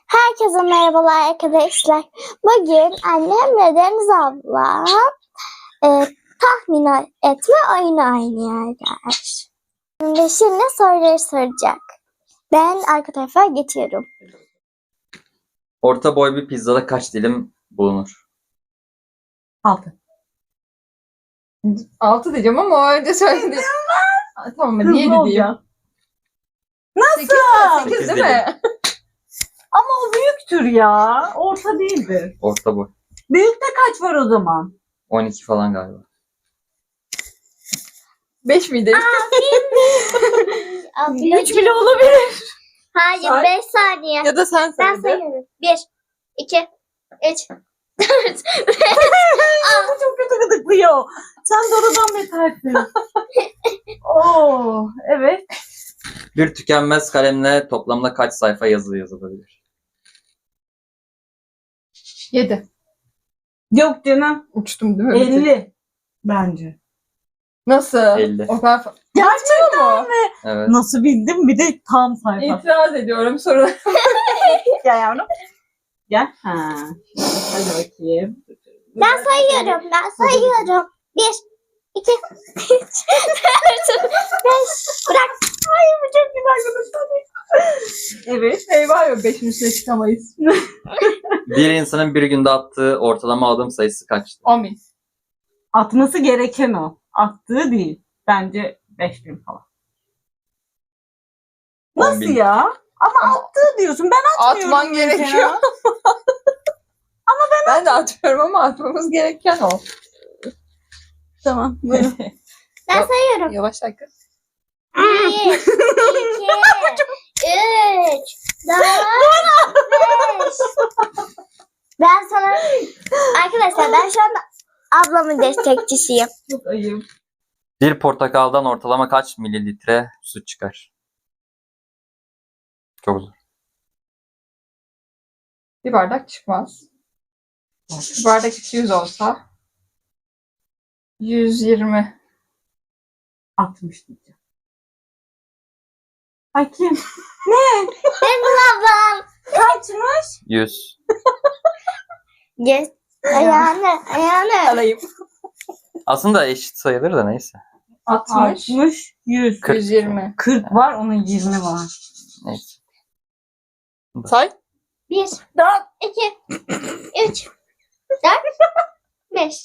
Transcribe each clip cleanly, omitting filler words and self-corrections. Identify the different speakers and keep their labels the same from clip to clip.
Speaker 1: Herkese merhabalar arkadaşlar. Bugün annem ve Deniz abla tahmin etme oyunu oynuyorlar. Şimdi soruları soracak. Ben arka tarafa geçiyorum.
Speaker 2: Orta boy bir pizzada kaç dilim bulunur?
Speaker 3: 6.
Speaker 4: 6 diyeceğim ama o önce söyledi. Tamam hadi 7 diyeyim.
Speaker 3: Olacak.
Speaker 4: 8, 8
Speaker 2: Sekiz
Speaker 4: değil mi?
Speaker 3: Ama o büyüktür ya. Orta değildir.
Speaker 2: Orta boy.
Speaker 3: Büyükte kaç var o zaman?
Speaker 2: 12 falan galiba.
Speaker 4: 5 miydi?
Speaker 3: 3 bile olabilir.
Speaker 1: Hayır,
Speaker 4: Say.
Speaker 1: 5 saniye.
Speaker 4: Ya da sen
Speaker 1: Ben
Speaker 4: söyle.
Speaker 1: sayıyorum. 1, 2, 3, 4,
Speaker 3: Bu çok kötü gıdıklıyor. Sen doğrudan betersin. Oo, evet.
Speaker 2: Bir tükenmez kalemle toplamda kaç sayfa yazı yazılabilir?
Speaker 4: 7.
Speaker 3: Yok canım.
Speaker 4: Uçtum değil mi?
Speaker 3: 50 bence.
Speaker 4: Nasıl?
Speaker 2: 50.
Speaker 4: O kadar
Speaker 3: Gerçekten
Speaker 4: mu?
Speaker 2: Evet.
Speaker 3: Nasıl bildim? Bir de tam sayfa.
Speaker 4: İtiraz ediyorum soru.
Speaker 3: Gel yavrum. Gel. Ha. Hadi bakayım.
Speaker 1: Ben sayıyorum. 1, 2, 3, 4, 5. Bırak.
Speaker 3: Ay bu çok güzel gıdıklanıyor. Evet.
Speaker 4: Eyvah yok 5'in üstüne çıkamayız.
Speaker 2: Bir insanın bir günde attığı ortalama adım sayısı kaçtır?
Speaker 4: 10.000.
Speaker 3: Atması gereken o. Attığı değil. Bence 5000 falan. Nasıl
Speaker 2: 10.000.
Speaker 3: ya? Ama attığı diyorsun. Ben atmıyorum.
Speaker 4: Atman
Speaker 3: mesela.
Speaker 4: gerekiyor. Ben de atıyorum ama atmamız gereken o.
Speaker 3: Tamam. Buyurun.
Speaker 1: Ben sayıyorum.
Speaker 4: Yavaş dakika.
Speaker 1: 1, 2, 3, 4, 5. Ben sana... Arkadaşlar ben şu anda ablamın destekçisiyim.
Speaker 3: Çok ayıp.
Speaker 2: Bir portakaldan ortalama kaç mililitre su çıkar? Çok zor.
Speaker 4: Bir bardak çıkmaz. Bir bardak 200 olsa 120.
Speaker 3: 60 diyeceğim. Ay kim?
Speaker 1: Benim ablam.
Speaker 3: Kaçmış?
Speaker 2: 100.
Speaker 1: Geç. Ayağını.
Speaker 4: Alayım.
Speaker 2: Aslında eşit sayılır da neyse.
Speaker 4: 60.
Speaker 3: 60, 100.
Speaker 2: 40.
Speaker 4: 120.
Speaker 3: 40 var, onun 20 var.
Speaker 2: Neyse.
Speaker 4: Say.
Speaker 1: 1, 2, 3, 4, 5.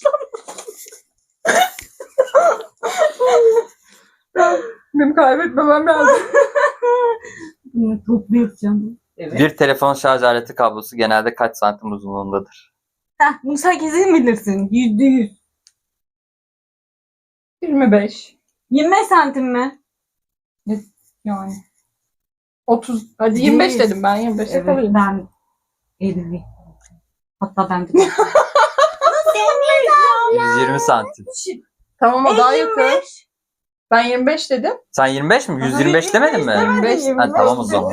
Speaker 4: Benim kaybetmemem lazım.
Speaker 3: Bunu toplu yapacağım. Evet.
Speaker 2: Bir telefon şarj aleti kablosu genelde kaç santim uzunluğundadır?
Speaker 3: Heh, bunu sen kesin bilirsin. %100.
Speaker 4: 25.
Speaker 3: 25 santim mi?
Speaker 4: Yani. 30. Hadi 25 dedim ben. 25
Speaker 3: Evet,
Speaker 4: yapabilirim.
Speaker 3: ben 50. Hatta ben de.
Speaker 2: 120 santim.
Speaker 4: Tamam o daha yakın.
Speaker 3: 55.
Speaker 4: Ben 25 dedim.
Speaker 2: Sen 25 mi? 125 demedin mi?
Speaker 4: 25.
Speaker 2: Ha, tamam o zaman.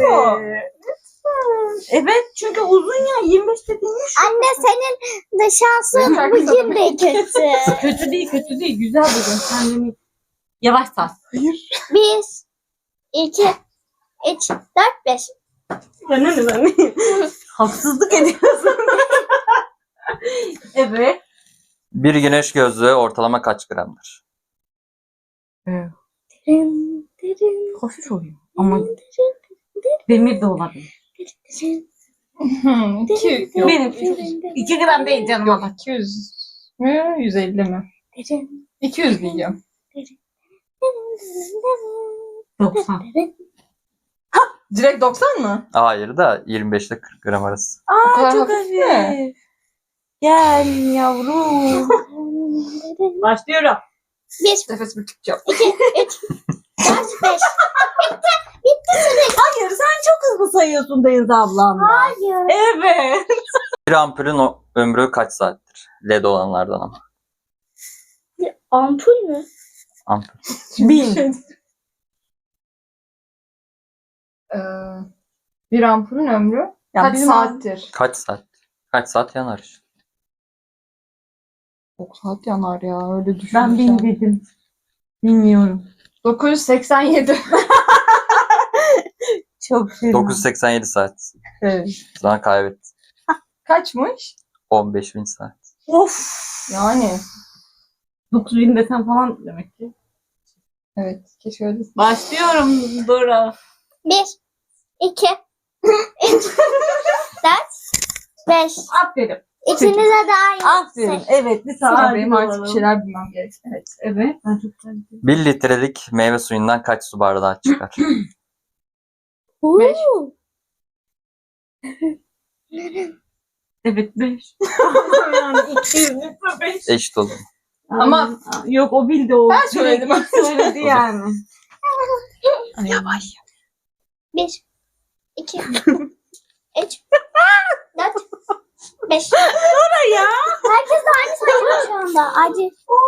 Speaker 3: Evet, çünkü uzun ya 25 dediğin.
Speaker 1: Anne senin de şansın
Speaker 4: Benim
Speaker 1: bugün de kötü.
Speaker 3: Kötü değil. Güzel bugün. Kendini yavaş sar.
Speaker 1: 1, 2, 3, 4, 5.
Speaker 3: Ben haksızlık ediyorsun. Evet.
Speaker 2: Bir güneş gözlüğü ortalama kaç gramdır?
Speaker 3: Hafif oluyor. Ama demir de olabilir.
Speaker 4: 2. Yok.
Speaker 3: Benim 2 gram değil canım
Speaker 4: Yok
Speaker 3: ama.
Speaker 4: 200 mü? 150 mi? 200 diyeceğim.
Speaker 3: 90.
Speaker 4: Direkt 90 mı?
Speaker 2: Hayır da 25 ile 40 gram arası.
Speaker 4: O kadar
Speaker 3: Aa çok
Speaker 4: hafif mi?
Speaker 3: hafif. Gel yavrum. Başlıyorum.
Speaker 1: 1,
Speaker 4: Nefesimi tutacağım.
Speaker 1: 2, 3, 4, 5.
Speaker 3: Hayır sen çok hızlı sayıyorsun Deniz ablamla.
Speaker 1: Hayır.
Speaker 3: Evet.
Speaker 2: Bir ampulün ömrü kaç saattir? LED olanlardan ama.
Speaker 1: Ampul mü?
Speaker 2: Ampul.
Speaker 3: 1000.
Speaker 4: Bir ampulün ömrü
Speaker 3: Ya
Speaker 4: kaç
Speaker 3: bizim
Speaker 4: saattir?
Speaker 2: Kaç saat? Kaç saat yanar işte?
Speaker 4: Çok saat yanar ya öyle düşün.
Speaker 3: Ben 1000 dedim. Bilmiyorum.
Speaker 4: 987.
Speaker 3: Çok güzel.
Speaker 2: 987 saat.
Speaker 4: Evet.
Speaker 2: Sonra kaybetti.
Speaker 4: Kaçmış?
Speaker 2: 15.000 saat.
Speaker 3: Of.
Speaker 4: Yani.
Speaker 3: 9000 desen falan demek ki.
Speaker 4: Evet. Keşke öyle.
Speaker 3: Başlıyorum Dora.
Speaker 1: 1, 2, 3, 4, 5.
Speaker 3: Aferin.
Speaker 1: İkinize de aynı.
Speaker 3: Aferin. Evet. Bir
Speaker 4: Sonra
Speaker 3: saat
Speaker 4: benim artık bir şeyler bilmem gerek. Evet.
Speaker 3: Evet. Ben çok güzel.
Speaker 2: 1 litrelik meyve suyundan kaç su bardağı çıkar?
Speaker 4: Beş.
Speaker 3: Evet 5. Yani 200 litre 5.
Speaker 2: Eşit oldu.
Speaker 4: Ama-
Speaker 3: yok o bildi o.
Speaker 4: Ben söyledim.
Speaker 3: Direkt söyledi yani.
Speaker 4: Yavaş.
Speaker 1: 1, 2, 3, 4, 5.
Speaker 3: Ya.
Speaker 1: Herkes de aynı sayıyor şu anda. Acil.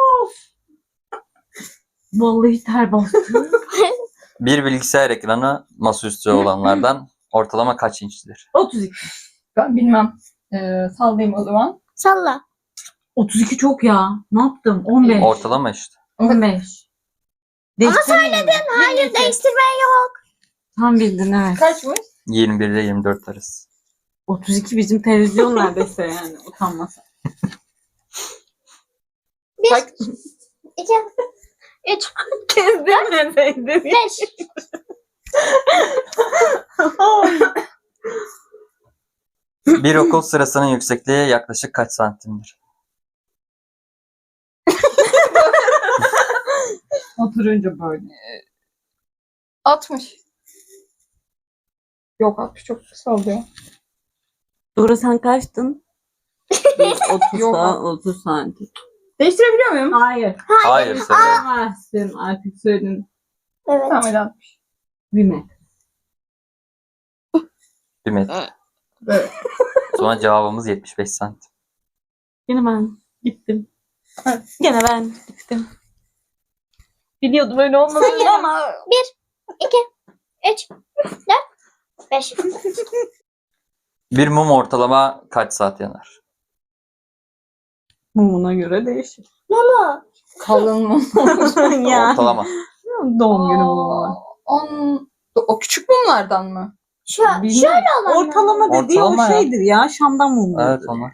Speaker 3: Vallahi ter bastı.
Speaker 2: Bir bilgisayar ekranı masaüstü olanlardan ortalama kaç inçtir?
Speaker 3: 32.
Speaker 4: Ben bilmem. Sallayayım o zaman.
Speaker 1: Salla.
Speaker 3: 32 çok ya. Ne yaptım? 15.
Speaker 2: Ortalama işte.
Speaker 3: 15.
Speaker 1: Ama söyledin. Hayır, değiştirme yok.
Speaker 3: Tam bildin evet.
Speaker 4: Kaçmış?
Speaker 2: 21 ile 24 arası.
Speaker 3: 32 bizim televizyon neredeyse yani. Utanmasa.
Speaker 1: 1, 2, 3,
Speaker 3: Kezdirmeseydin.
Speaker 1: 5.
Speaker 2: Bir okul sırasının yüksekliği yaklaşık kaç santimdir?
Speaker 3: Oturunca böyle.
Speaker 4: 60. Yok 60 çok kısa oluyor.
Speaker 3: Dora sen kaçtın? 30
Speaker 4: Yok.
Speaker 3: 30 santim.
Speaker 4: Değiştirebiliyor muyum?
Speaker 3: Hayır.
Speaker 2: Hayır söyle.
Speaker 3: Söylemezsin artık söyledin.
Speaker 1: Evet.
Speaker 4: Tamam öyle 60.
Speaker 3: Bir metre.
Speaker 2: 1 metre.
Speaker 4: Evet.
Speaker 2: Sonra cevabımız 75 santim.
Speaker 3: Yine ben gittim.
Speaker 4: Evet.
Speaker 3: Gene ben gittim. Biliyordum öyle olmadığını ama.
Speaker 1: 2, 3, 4, 5.
Speaker 2: Bir mum ortalama kaç saat yanar?
Speaker 3: Mumuna göre değişir.
Speaker 1: Mumu.
Speaker 4: Kalın mı?
Speaker 3: ya.
Speaker 2: Ortalama.
Speaker 3: Doğum günü mumuna.
Speaker 4: O küçük mumlardan mı?
Speaker 3: Bilmem.
Speaker 1: Şöyle olan.
Speaker 3: Ortalama dediği
Speaker 2: Ortalama
Speaker 3: o
Speaker 2: ya.
Speaker 3: şeydir ya. Şam'dan mumu.
Speaker 2: Evet onlar.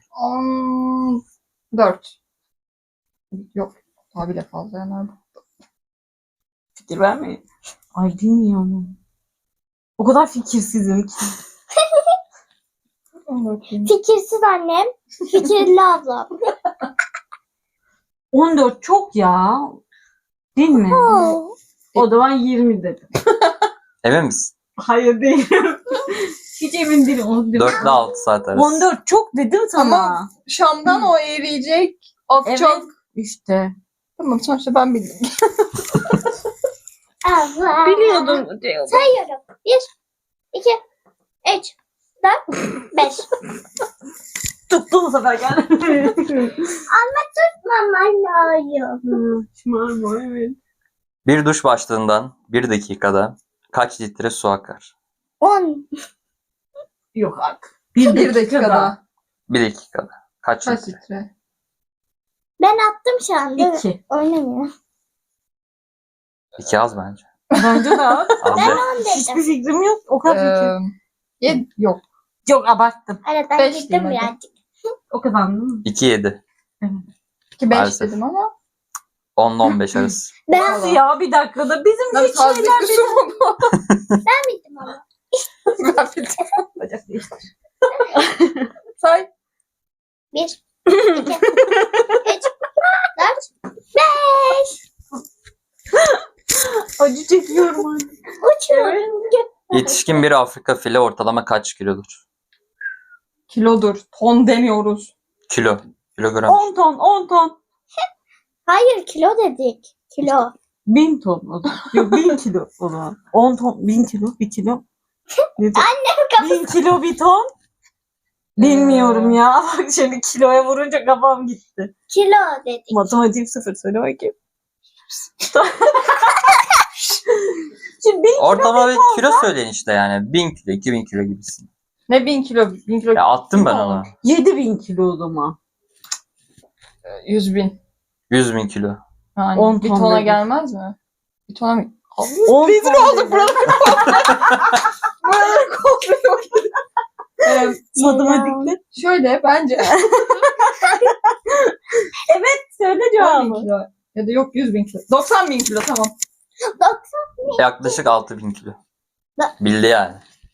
Speaker 4: 14. Yok. Daha bile fazla yanar bu.
Speaker 3: Fikir vermeyin. Ay bilmiyorum. O kadar fikirsizim ki.
Speaker 4: 14 diyeyim.
Speaker 1: Fikirsiz annem. Fikirli ablam.
Speaker 3: 14 çok ya. Değil mi?
Speaker 1: Oo.
Speaker 3: O zaman 20 dedim.
Speaker 2: Emin misin?
Speaker 3: Hayır değil. Hiç emin değilim. 14.
Speaker 2: 4 ile 6 saat arası.
Speaker 3: 14 çok dedim sana.
Speaker 4: Ama Şam'dan o eriyecek. Akacak.
Speaker 3: Evet. İşte.
Speaker 4: Tamam sonuçta ben bildim.
Speaker 1: Allah.
Speaker 3: Biliyordum.
Speaker 1: Sayıyorum. 1, 2, 3, 4, 5.
Speaker 3: Tuttu bu sefer gel.
Speaker 1: Maman lazım.
Speaker 3: Şımarma evet.
Speaker 2: Bir duş başlığından 1 dakikada kaç litre su akar?
Speaker 1: 10.
Speaker 3: Yok artık.
Speaker 4: Bir dakikada.
Speaker 2: 1 dakikada. Kaç
Speaker 4: Kaç
Speaker 2: litre?
Speaker 4: litre?
Speaker 1: Ben attım şu anda.
Speaker 3: 2.
Speaker 1: Oynamıyor.
Speaker 2: 2 az bence.
Speaker 3: Bence de az.
Speaker 2: Az
Speaker 1: Ben
Speaker 2: de.
Speaker 1: 10
Speaker 3: Hiçbir
Speaker 1: dedim.
Speaker 3: fikrim yok. O kadar fikir.
Speaker 4: Yok.
Speaker 3: Yok abarttım.
Speaker 1: Evet ben
Speaker 4: 5
Speaker 1: gittim
Speaker 4: diyeyim hadi.
Speaker 1: birazcık.
Speaker 3: O kadar mı?
Speaker 2: 2 7.
Speaker 4: 2 5
Speaker 2: Maalesef.
Speaker 4: dedim ama.
Speaker 2: 10 ile 15 arası.
Speaker 1: Ben
Speaker 3: Nasıl ya bir dakikada bizim
Speaker 4: Nasıl
Speaker 3: hiç
Speaker 4: taze
Speaker 3: şeyler
Speaker 4: bir su mu bu?
Speaker 1: bittim ama.
Speaker 4: Ben bildim.
Speaker 3: Bacak değiştir.
Speaker 4: Say.
Speaker 1: 1, 2, 3, 4, 5.
Speaker 3: Acı çekiyorum anne.
Speaker 1: Uçuyorum.
Speaker 2: Yetişkin bir Afrika fili ortalama kaç kilodur?
Speaker 4: Kilodur. Ton demiyoruz.
Speaker 2: Kilo. Kilogram.
Speaker 3: 10 ton 10 ton.
Speaker 1: Hayır kilo dedik. Kilo.
Speaker 3: 1000 ton o zaman. Yok 1000 kilo o zaman. 10 ton 1000 kilo 1 kilo. Annem 1000 kilo 1 ton. Bilmiyorum ya. Bak şimdi kiloya vurunca kafam gitti.
Speaker 1: Kilo dedik.
Speaker 3: Matematiğim 0 söyle bakayım. Şimdi 1000
Speaker 2: Ortalama bir kilo söyleyin işte yani. 1000 kilo, 2000 kilo gibisin.
Speaker 4: Ne 1000 kilo? 1000 kilo.
Speaker 2: Ya attım ben onu.
Speaker 3: 7000 kilo o zaman.
Speaker 4: 100 bin.
Speaker 2: 100.000 kilo.
Speaker 4: Yani
Speaker 3: 10
Speaker 4: bir
Speaker 3: ton
Speaker 4: tona
Speaker 3: dedim.
Speaker 4: gelmez mi? Bir tona mı?
Speaker 3: 10
Speaker 4: Rezil
Speaker 3: ton
Speaker 4: olduk
Speaker 3: dedim.
Speaker 4: burada.
Speaker 3: Matematikte.
Speaker 4: Şöyle bence
Speaker 3: Söyle
Speaker 4: 10 bin
Speaker 3: cevabı.
Speaker 4: kilo. Ya da yok 100 bin kilo. 90 bin kilo tamam.
Speaker 1: 90.
Speaker 2: Yaklaşık 6000 kilo. Bildi yani.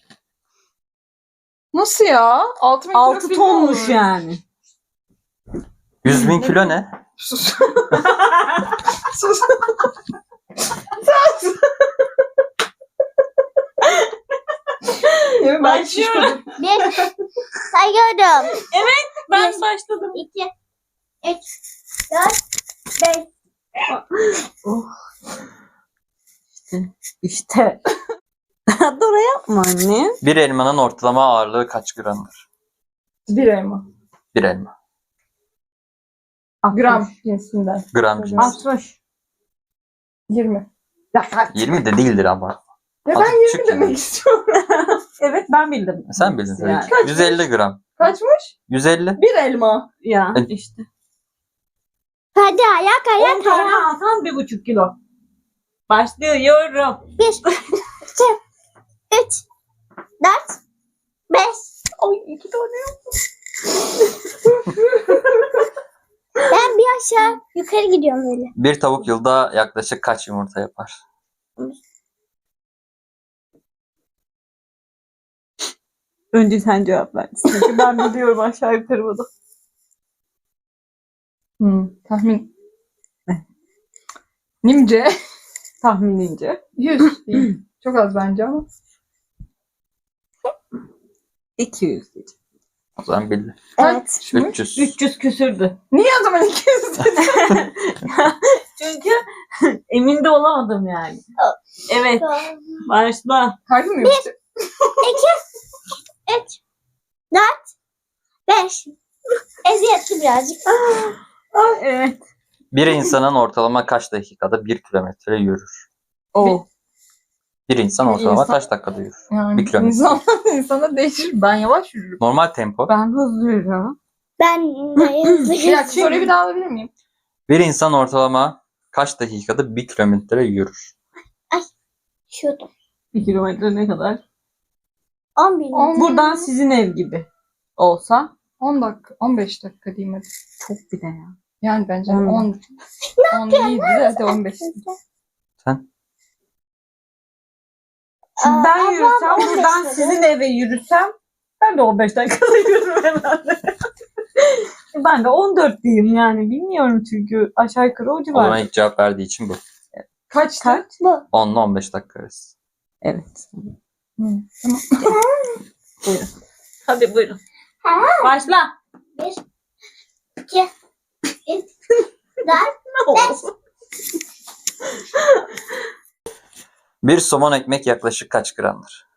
Speaker 4: Nasıl ya? 6 bin kilo
Speaker 3: 6
Speaker 4: kilo
Speaker 3: tonmuş
Speaker 4: olur.
Speaker 3: yani.
Speaker 2: 100.000 kilo ne?
Speaker 4: Sus. Sus. Ya ben
Speaker 3: Başlıyorum.
Speaker 1: Bir. Sayıyorum.
Speaker 3: Ben başladım.
Speaker 1: 2, 3, 4, 5.
Speaker 3: Oh. İşte. Dora yapma anne.
Speaker 2: Bir elmanın ortalama ağırlığı kaç gramdır?
Speaker 4: bir elma.
Speaker 2: Bir elma.
Speaker 4: Gram cinsinden.
Speaker 2: Gram cinsi.
Speaker 3: 60.
Speaker 4: 20. Ya,
Speaker 2: 20 de değildir ama.
Speaker 4: ya
Speaker 2: Azıcık
Speaker 4: ben 20
Speaker 2: küçük
Speaker 4: demek
Speaker 2: yani.
Speaker 4: istiyorum.
Speaker 3: Evet ben bildim.
Speaker 2: Sen bildin tabii
Speaker 3: Yani.
Speaker 2: ki.
Speaker 4: Kaçmış?
Speaker 2: 150 gram.
Speaker 4: Kaçmış?
Speaker 2: 150.
Speaker 4: Bir elma.
Speaker 3: Ya işte.
Speaker 1: Hadi ayak
Speaker 3: 10
Speaker 1: ayak
Speaker 3: tane
Speaker 1: ayak.
Speaker 3: alsan 1,5 kilo. Başlıyorum.
Speaker 1: 1, 2, 3, 4, 5.
Speaker 3: Ay 2 tane.
Speaker 1: Ben bir aşağı yukarı gidiyorum böyle.
Speaker 2: Bir tavuk yılda yaklaşık kaç yumurta yapar?
Speaker 3: Önce sen cevap ver. Çünkü ben biliyorum aşağı yukarı bunu.
Speaker 4: Tahmin. Nimce.
Speaker 3: Tahminince.
Speaker 4: 100 değil. Çok az bence ama.
Speaker 3: 200 diyeceğim.
Speaker 2: O zaman bildi.
Speaker 1: Evet.
Speaker 4: Kaçmış?
Speaker 2: 300.
Speaker 3: 300 küsürdü.
Speaker 4: Niye o zaman 200 dedin?
Speaker 3: Çünkü emin de olamadım yani. Evet. Başla.
Speaker 4: Harbi mi yoksa?
Speaker 1: 3, 4, 5. Eziyetli birazcık.
Speaker 3: Evet.
Speaker 2: Bir insanın ortalama kaç dakikada 1 kilometre yürür?
Speaker 3: O.
Speaker 2: Bir insan
Speaker 4: Bir
Speaker 2: ortalama
Speaker 4: insan-
Speaker 2: kaç dakikada yürür?
Speaker 4: Yani
Speaker 2: 1 kilometre.
Speaker 4: insana değişir. Ben yavaş yürürüm.
Speaker 2: Normal tempo.
Speaker 3: Ben hızlı yürüyorum.
Speaker 1: Ben de hızlı
Speaker 4: Bir dakika
Speaker 1: geçeyim.
Speaker 4: soruyu bir daha alabilir miyim?
Speaker 2: Bir insan ortalama kaç dakikada 1 kilometre yürür?
Speaker 1: Şurada.
Speaker 3: 1 kilometre ne kadar?
Speaker 1: 10 bin.
Speaker 3: Buradan sizin ev gibi olsa
Speaker 4: 10 dakika, 15 dakika diyeyim hadi.
Speaker 3: çok bir de ya.
Speaker 4: Yani bence
Speaker 3: 10.
Speaker 4: 10 değildi de hadi 15.
Speaker 2: Sen?
Speaker 3: Şimdi ben
Speaker 1: ablam
Speaker 3: yürüsem
Speaker 1: 15
Speaker 3: buradan
Speaker 1: dedi.
Speaker 3: sizin eve yürüsem ben de 15 dakikada yürürüm herhalde. Ben de 14 diyeyim yani. Bilmiyorum çünkü aşağı yukarı o
Speaker 2: O
Speaker 3: civar.
Speaker 2: zaman ilk cevap verdiği için bu.
Speaker 4: Kaçtı?
Speaker 3: Kaç?
Speaker 1: Bu.
Speaker 2: 10 ile 15 dakika arası.
Speaker 3: Evet.
Speaker 4: Tamam.
Speaker 3: Buyurun. Hadi buyurun. Başla.
Speaker 1: 1, 2, 3, 4.
Speaker 2: Bir somon ekmek yaklaşık kaç gramdır?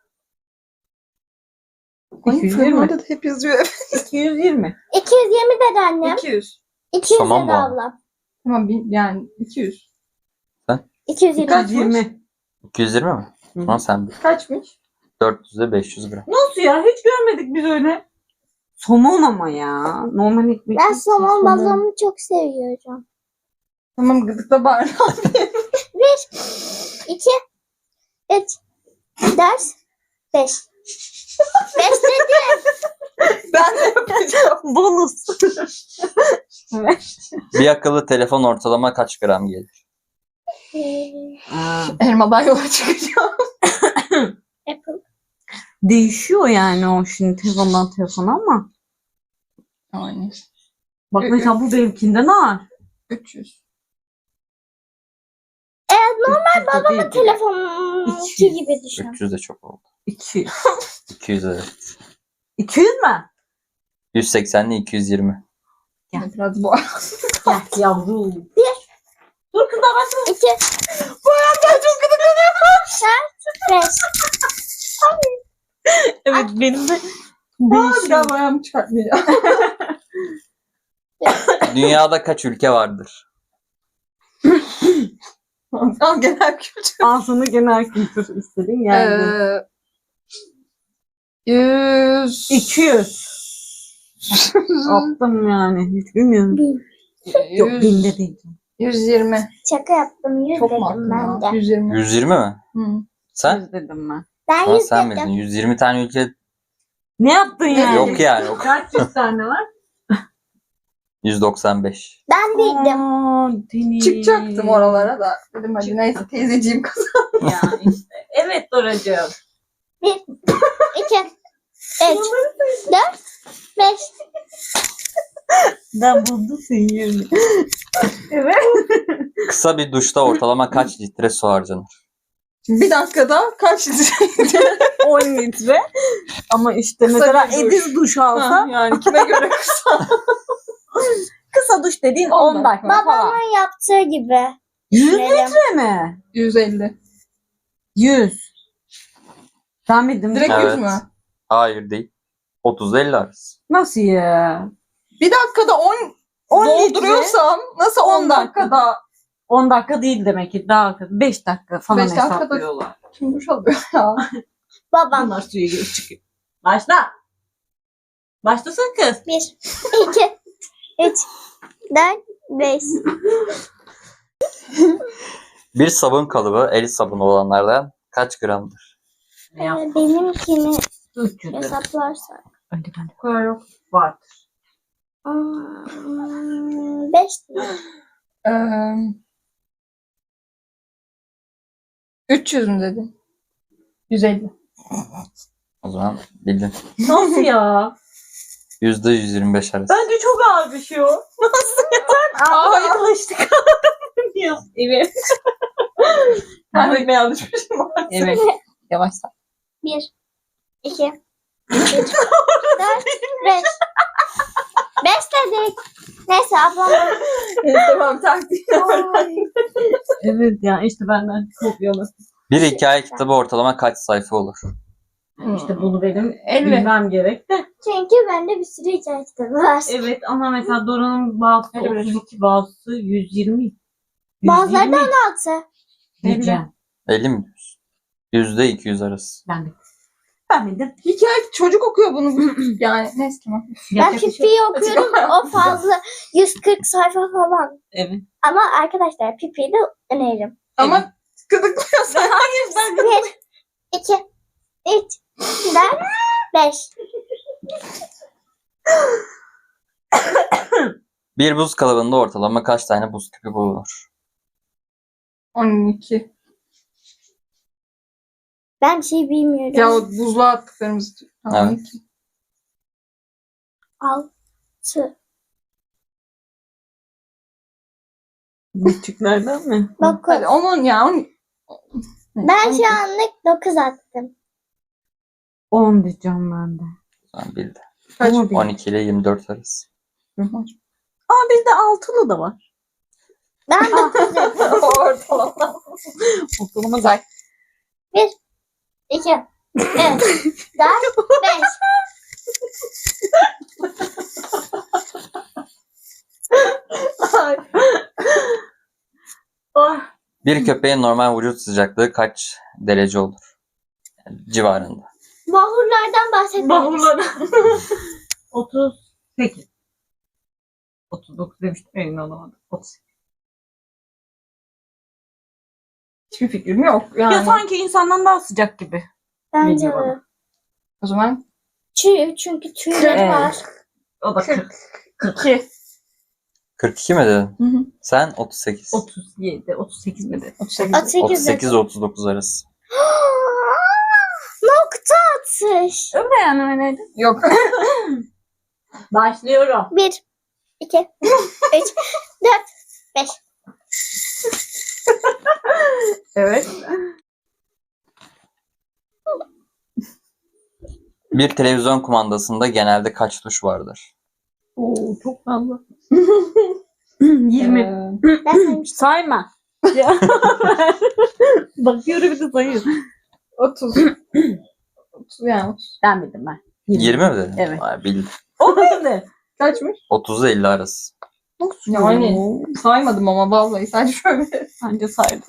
Speaker 4: Ay,
Speaker 3: 220.
Speaker 4: Orada da hep yazıyor.
Speaker 3: 220.
Speaker 1: 220 dedi annem.
Speaker 4: 200.
Speaker 1: 200
Speaker 2: Tamam
Speaker 1: dedi
Speaker 2: mı?
Speaker 1: ablam.
Speaker 4: Tamam yani 200.
Speaker 1: 220.
Speaker 4: Kaç?
Speaker 3: 220.
Speaker 2: 220 mi?
Speaker 3: Hı.
Speaker 2: Ama sen bil.
Speaker 4: Kaçmış?
Speaker 2: 400'e 500 gram.
Speaker 3: Nasıl ya? Hiç görmedik biz öyle. Somon ama ya. Normal ekmek.
Speaker 1: Ben
Speaker 3: değil ki,
Speaker 1: somon balığını çok seviyorum.
Speaker 4: Tamam gıdıkla bağır.
Speaker 1: 1, 2, 3, 4, 5. 5 dedi.
Speaker 4: Ben de yapacağım.
Speaker 3: Bonus. Evet.
Speaker 2: Bir akıllı telefon ortalama kaç gram gelir?
Speaker 4: Elmadan yola çıkacağım.
Speaker 1: Apple.
Speaker 3: Değişiyor yani o şimdi telefondan telefona ama.
Speaker 4: Aynen.
Speaker 3: Bak mesela bu benimkinden ağır.
Speaker 4: 300.
Speaker 3: Normal
Speaker 1: Babamın telefonunki
Speaker 3: 200.
Speaker 1: gibi düşün.
Speaker 2: 300 de çok oldu.
Speaker 3: 200.
Speaker 2: 200 evet.
Speaker 3: 200 mü?
Speaker 2: 180 ile 220.
Speaker 3: Ya.
Speaker 4: Biraz bu.
Speaker 3: Gel yavrum. Dur kız da bak.
Speaker 1: 2,
Speaker 4: Bu ayaklar çok gıdıklanıyor.
Speaker 1: 5.
Speaker 3: Evet benim de
Speaker 4: Bir
Speaker 3: değişiyor.
Speaker 4: daha ayağımı çıkartmayacağım.
Speaker 2: Dünyada kaç ülke vardır?
Speaker 4: Al genel kültür.
Speaker 3: Ağzını genel kültür istedin geldi.
Speaker 4: 100.
Speaker 3: 200. Attım yani. Hiç bilmiyorum.
Speaker 1: 1000.
Speaker 3: Yok binde değil.
Speaker 4: 120.
Speaker 1: Şaka yaptım. 100
Speaker 4: Çok mu
Speaker 1: dedim
Speaker 4: attın
Speaker 1: ben
Speaker 4: ya?
Speaker 1: de.
Speaker 4: 120.
Speaker 2: 120 mi?
Speaker 4: Hı.
Speaker 2: Sen?
Speaker 3: 100 dedim ben.
Speaker 1: Ben
Speaker 2: Ama
Speaker 1: 100
Speaker 2: sen
Speaker 1: dedim.
Speaker 2: bildin. 120 tane ülke
Speaker 3: Ne yaptın yani?
Speaker 2: yok yani. Yok.
Speaker 3: Kaç yüz tane var?
Speaker 2: 195.
Speaker 1: Ben bildim.
Speaker 3: Aa, Deniz.
Speaker 4: Çıkacaktım oralara da. Dedim hadi neyse teyzeciğim kız.
Speaker 3: Ya işte. Evet Doracığım.
Speaker 1: 1, 2, 3, 4, 5.
Speaker 3: Ben buldum senin yerini. Evet.
Speaker 2: Kısa bir duşta ortalama kaç litre su harcanır?
Speaker 4: Bir dakikada kaç litre?
Speaker 3: 10 litre. Ama işte
Speaker 4: Kısa
Speaker 3: mesela
Speaker 4: bir duş.
Speaker 3: Ediz duş
Speaker 4: Ha,
Speaker 3: alsa
Speaker 4: yani kime göre kısa?
Speaker 3: kısa duş dediğin
Speaker 4: 10
Speaker 3: 10 dakika falan.
Speaker 1: Babamın yaptığı gibi.
Speaker 3: 100
Speaker 1: Düşünelim.
Speaker 3: litre mi?
Speaker 4: 150.
Speaker 3: 100. Sen bildin
Speaker 4: Direkt
Speaker 3: mi?
Speaker 4: 100
Speaker 2: Evet.
Speaker 4: mü?
Speaker 2: Hayır değil. 30-50 arası.
Speaker 3: Nasıl ya?
Speaker 4: Bir dakikada 10
Speaker 3: 10
Speaker 4: dolduruyorsam nasıl 10
Speaker 3: 10 dakika.
Speaker 4: dakikada
Speaker 3: 10 dakika değil demek ki daha 5 dakika falan
Speaker 4: 5 dakikada-
Speaker 3: hesaplıyorlar.
Speaker 4: kim duş alıyor ya?
Speaker 1: Babam.
Speaker 3: Bunlar suya girip çıkıyor. Başla. Başlasın kız.
Speaker 1: 1, 2, 3, 4, 5.
Speaker 2: Bir sabun kalıbı el sabunu olanlardan kaç gramdır?
Speaker 3: Ne yapalım?
Speaker 1: Benimkini
Speaker 3: 300 lira.
Speaker 1: hesaplarsak.
Speaker 3: Öyle ben de
Speaker 4: Bu kadar yok.
Speaker 3: vardır.
Speaker 1: 5 lira.
Speaker 4: 300 mü dedin? 150.
Speaker 2: O zaman bildin.
Speaker 3: Nasıl ya?
Speaker 2: %125 arası.
Speaker 3: Bence çok ağır bir şey o. Nasıl ya? Sen
Speaker 4: Hayır.
Speaker 3: alıştık. Evet.
Speaker 4: Ben de yanlış bir şey var.
Speaker 3: Evet.
Speaker 4: Yavaş sen.
Speaker 1: 1, 2, 3, 4, 5. 5 dedik. Neyse ablam.
Speaker 4: Tamam taktiğini öğren.
Speaker 3: Evet ya işte benden kopyalı.
Speaker 2: Bir hikaye kitabı ortalama kaç sayfa olur?
Speaker 3: İşte bunu benim
Speaker 4: 50.
Speaker 3: bilmem gerek de.
Speaker 1: Çünkü bende bir sürü hikaye kitabı var.
Speaker 3: Evet ama mesela Dora'nın bazısı
Speaker 4: Öyle bir
Speaker 3: 32, bazısı 120.
Speaker 1: Bazıları da
Speaker 3: 120
Speaker 1: 16.
Speaker 3: diyeceğim.
Speaker 2: 50 mi diyorsun? %200 arası.
Speaker 3: Ben de. Ben bildim.
Speaker 4: Hikaye çocuk okuyor bunu. Yani neyse tamam.
Speaker 1: Ben
Speaker 3: Yapacak bir şey
Speaker 1: Pipi'yi
Speaker 3: yok.
Speaker 1: okuyorum. O fazla 140 sayfa falan.
Speaker 3: Evet.
Speaker 1: Ama arkadaşlar Pipi'yi de öneririm.
Speaker 4: Ama gıdıklıyorsan.
Speaker 3: Hayır ben
Speaker 1: 1, 2, 3, 4, 5.
Speaker 2: Bir buz kalıbında ortalama kaç tane buz küpü bulunur?
Speaker 4: 12.
Speaker 1: Ben bir şey bilmiyorum.
Speaker 4: Ya o buzluğa attıklarımız. Tamam,
Speaker 2: Evet.
Speaker 4: 12.
Speaker 1: 6.
Speaker 3: küçüklerden mi?
Speaker 1: 9.
Speaker 4: Hadi onun ya.
Speaker 1: Ben şu anlık 9 attım.
Speaker 3: 10 diyeceğim ben de.
Speaker 2: Sen bildin.
Speaker 4: Kaç?
Speaker 3: Ama bir-
Speaker 2: 12 ile 24 arası.
Speaker 3: Aa bizde altılı da var.
Speaker 1: Ben 9 dedim.
Speaker 4: Ortalama.
Speaker 3: Ortalama gayet.
Speaker 1: 2, 3, 4, 5.
Speaker 3: Ah,
Speaker 2: Bir köpeğin normal vücut sıcaklığı kaç derece olur? Yani civarında.
Speaker 1: Mahurlardan bahsetmeyiz.
Speaker 3: Bahurlara. 38. 39 demiştim emin olamadım. 38.
Speaker 4: Hiçbir fikrim yok. Yani.
Speaker 3: Ya sanki insandan daha sıcak gibi.
Speaker 1: Bence
Speaker 3: Geliyor
Speaker 1: de.
Speaker 3: bana.
Speaker 4: O zaman
Speaker 1: Çünkü tüyleri
Speaker 3: Evet.
Speaker 1: var.
Speaker 3: O da 40.
Speaker 4: 2.
Speaker 2: 42 mi dedin?
Speaker 4: Hı hı.
Speaker 2: Sen 38.
Speaker 3: 37, 38 mi de?
Speaker 4: 38.
Speaker 1: 38 dedim.
Speaker 2: 38-39 arası.
Speaker 1: Nokta atış.
Speaker 3: Öyle yani öyleydi.
Speaker 4: Yok.
Speaker 3: Başlıyorum.
Speaker 1: 1, 2, 3, 4, 5.
Speaker 3: Evet.
Speaker 2: Bir televizyon kumandasında genelde kaç tuş vardır?
Speaker 3: Oo, çok fazla. 20.
Speaker 1: Ben saymıştım.
Speaker 3: Sayma. Ya. Bakıyorum bir de sayıyor.
Speaker 4: 30. 30 yani. 30.
Speaker 3: Ben bildim ben.
Speaker 2: 20 mi dedin?
Speaker 3: Evet.
Speaker 2: Vay, bildim.
Speaker 3: O neydi?
Speaker 4: Kaçmış?
Speaker 2: 30-50 arası.
Speaker 4: Yani saymadım ama vallahi sadece şöyle.
Speaker 3: Bence saydım.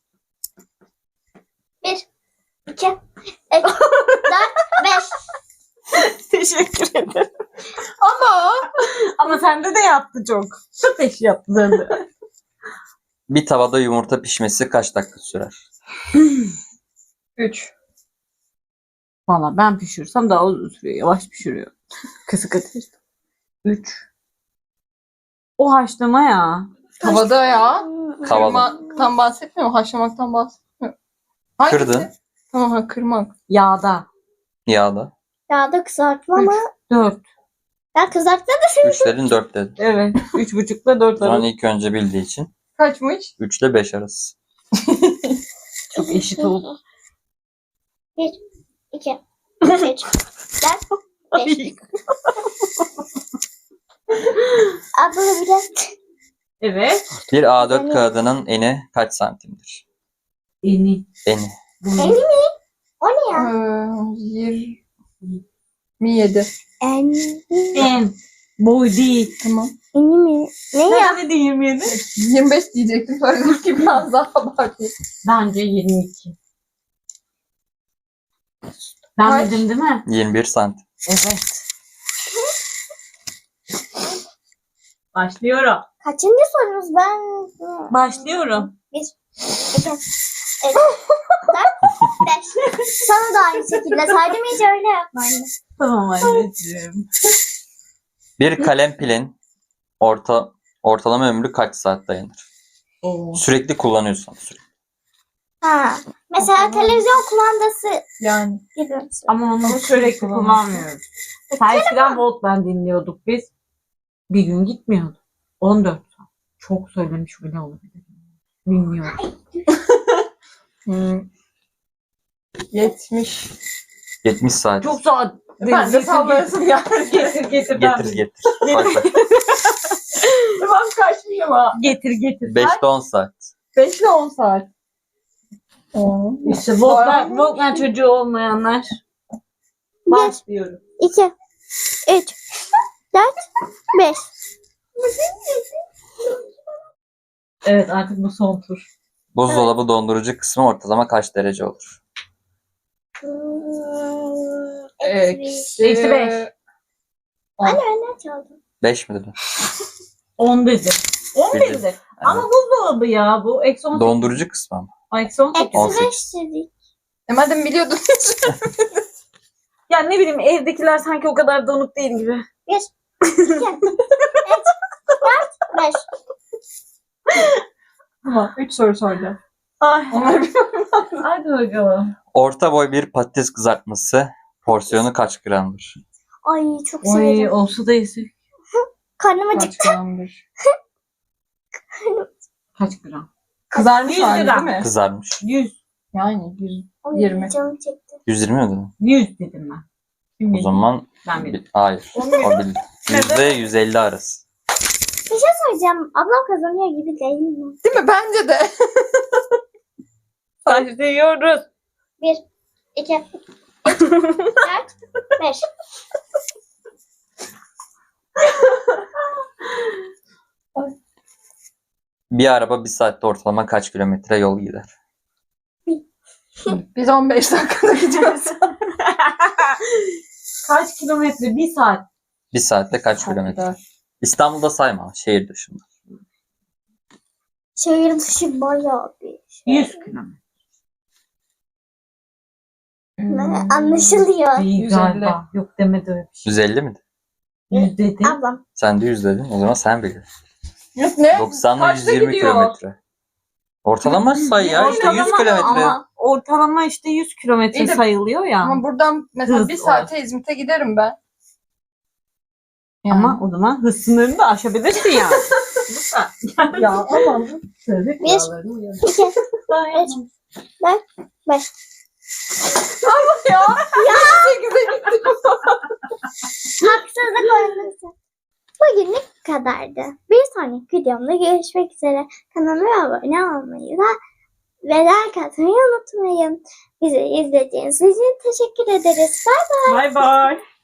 Speaker 1: 1, 2, 3, 4, 5.
Speaker 3: Teşekkür ederim.
Speaker 4: Ama
Speaker 3: Ama sende de yaptı çok. Çok eş yaptı sende.
Speaker 2: Bir tavada yumurta pişmesi kaç dakika sürer?
Speaker 4: 3.
Speaker 3: Valla ben pişirsem daha uzun sürüyor. Yavaş pişiriyor. Kısık ateşte. 3. O haşlama ya.
Speaker 4: Tavada ya.
Speaker 2: Tavada.
Speaker 4: Kırmaktan bahsetmiyor mu? Haşlamaktan bahsetmiyor. Hangisi?
Speaker 2: Kırdın.
Speaker 4: Tamam ha, kırmak.
Speaker 3: Yağda.
Speaker 2: Yağda.
Speaker 1: Yağda kızartma ama
Speaker 3: 4.
Speaker 1: ya kızartma da
Speaker 2: 3 dedin 4 dedin.
Speaker 3: Evet. 3,5'la 4
Speaker 2: O zaman
Speaker 3: arası.
Speaker 2: ilk önce bildiği için
Speaker 4: Kaçmış?
Speaker 2: 3 ile 5 arası.
Speaker 3: Çok eşit oldu.
Speaker 1: 1, 2, 3, 4, 5. Abla biraz
Speaker 3: Evet.
Speaker 2: Bir A4 kağıdının eni kaç santimdir?
Speaker 3: Eni.
Speaker 2: Eni.
Speaker 1: Eni mi? O ne ya?
Speaker 4: 27.
Speaker 3: En. Boy değil.
Speaker 4: Tamam.
Speaker 1: Eni mi? Ne ya?
Speaker 3: Ne dedi 27?
Speaker 4: 25 diyecektim. Sonra dedim ki biraz daha abartayım.
Speaker 3: Bence 22. Ben
Speaker 4: Kaç?
Speaker 3: dedim değil mi?
Speaker 2: 21 santim.
Speaker 3: Evet. Başlıyorum.
Speaker 1: Kaçıncı sorunuz ben?
Speaker 3: Başlıyorum.
Speaker 1: 1, 2, 3, 4, 5. Sana da aynı şekilde saydım, hiç öyle yapma anne.
Speaker 3: Tamam anneciğim.
Speaker 2: Bir kalem pilin ortalama ömrü kaç saat dayanır?
Speaker 3: Oo.
Speaker 2: Sürekli kullanıyorsan sürekli.
Speaker 1: Ha. Mesela televizyon kumandası
Speaker 4: Yani.
Speaker 1: gibi.
Speaker 3: Ama onu sürekli kullanmıyoruz. Eskiden Walkman dinliyorduk biz. Bir gün gitmiyordu. 14 saat. Çok söylemiş bile olabilir. Bilmiyorum.
Speaker 4: 70.
Speaker 2: 70 saat.
Speaker 3: Çok saat.
Speaker 4: Ben de sallayasım geldi.
Speaker 3: Getir.
Speaker 2: Getir getir. Bak bak.
Speaker 4: Ben kaçmayayım ha.
Speaker 3: Getir.
Speaker 2: 5'te 10 saat.
Speaker 4: 5 ile 10 saat. Oo.
Speaker 3: İşte Walkman çocuğu olmayanlar. Başlıyorum.
Speaker 1: 2, 3, 4, 5.
Speaker 3: Evet artık bu son tur.
Speaker 2: Buzdolabı dondurucu kısmı ortalama kaç derece olur?
Speaker 4: Eksi
Speaker 3: Eksi 5.
Speaker 1: Anne ne çaldım?
Speaker 2: 5 mi dedin?
Speaker 3: 10 dedi. 10
Speaker 2: Bildim.
Speaker 3: dedi. Ama buzdolabı ya bu. Eksi 18.
Speaker 2: Dondurucu kısmı ama.
Speaker 3: Eksi 18.
Speaker 1: Eksi
Speaker 2: 18.
Speaker 1: 5 dedik.
Speaker 4: Madem biliyordun.
Speaker 3: Ya ne bileyim evdekiler sanki o kadar donuk değil gibi.
Speaker 1: 1, 2, 3, 4, 5.
Speaker 4: Tamam. 3 soru sordu.
Speaker 3: Ay.
Speaker 4: Onları
Speaker 3: Hadi bakalım.
Speaker 2: Orta boy bir patates kızartması porsiyonu kaç gramdır?
Speaker 1: Ay çok
Speaker 3: Oy
Speaker 1: severim.
Speaker 3: olsa da yesek.
Speaker 1: Karnım acıktı.
Speaker 4: kaç gramdır?
Speaker 3: Kaç gram?
Speaker 4: Kızarmış
Speaker 3: 100
Speaker 4: hali değil
Speaker 3: gram.
Speaker 4: mi?
Speaker 2: Kızarmış.
Speaker 3: 100.
Speaker 4: Yani 100.
Speaker 1: Ay,
Speaker 4: 20.
Speaker 1: canım çekti.
Speaker 2: 120 mi dedin?
Speaker 3: 100 dedim ben. Kim
Speaker 2: O
Speaker 3: bildi?
Speaker 2: zaman
Speaker 3: Ben bildim.
Speaker 2: hayır. O bildi. %150 arası.
Speaker 1: Bir şey söyleyeceğim. Ablam kazanıyor gibi değil mi?
Speaker 4: Değil mi? Bence de.
Speaker 3: Başlıyoruz.
Speaker 1: 1, 2, 3, 4, 5.
Speaker 2: Bir araba bir saatte ortalama kaç kilometre yol gider?
Speaker 4: Biz 15 dakikada gidiyoruz.
Speaker 3: Kaç kilometre? 1 saat.
Speaker 2: Bir saatte kaç kilometre? İstanbul'da sayma. Şehir dışında.
Speaker 1: Şehir dışı bayağı bir şey.
Speaker 3: 100 kilometre.
Speaker 1: Anlaşılıyor.
Speaker 3: İyi
Speaker 4: 150.
Speaker 3: galiba. Yok demedi öyle bir şey.
Speaker 2: 150 mi?
Speaker 3: 100 dedi.
Speaker 1: Ablam.
Speaker 2: Sen de 100 dedin. O zaman sen biliyorsun.
Speaker 4: Ne?
Speaker 2: 90 ile
Speaker 4: Kaçta
Speaker 2: 120
Speaker 4: gidiyor?
Speaker 2: kilometre. Ortalama say ya. İşte 100
Speaker 3: Ortalama
Speaker 2: kilometre.
Speaker 3: Ama ortalama işte 100 kilometre
Speaker 4: İyi de-
Speaker 3: sayılıyor ya.
Speaker 4: Ama buradan mesela
Speaker 3: Hız
Speaker 4: 1 saate İzmit'e giderim ben.
Speaker 3: Ama o zaman hız sınırını da aşabilirsin yani. Lütfen.
Speaker 4: Ya aman.
Speaker 3: Trafik
Speaker 1: Bir-
Speaker 3: kurallarına uyalım.
Speaker 1: 2, 3,
Speaker 3: Dayan.
Speaker 1: 4, 5.
Speaker 4: Ya. 8'e gittim.
Speaker 1: Haksızlık oynaması. Bugünlük bu kadardı. Bir sonraki videomda görüşmek üzere. Kanalıma abone olmayı ve like atmayı unutmayın. Bizi izlediğiniz için teşekkür ederiz. Bye.
Speaker 3: Bay bay.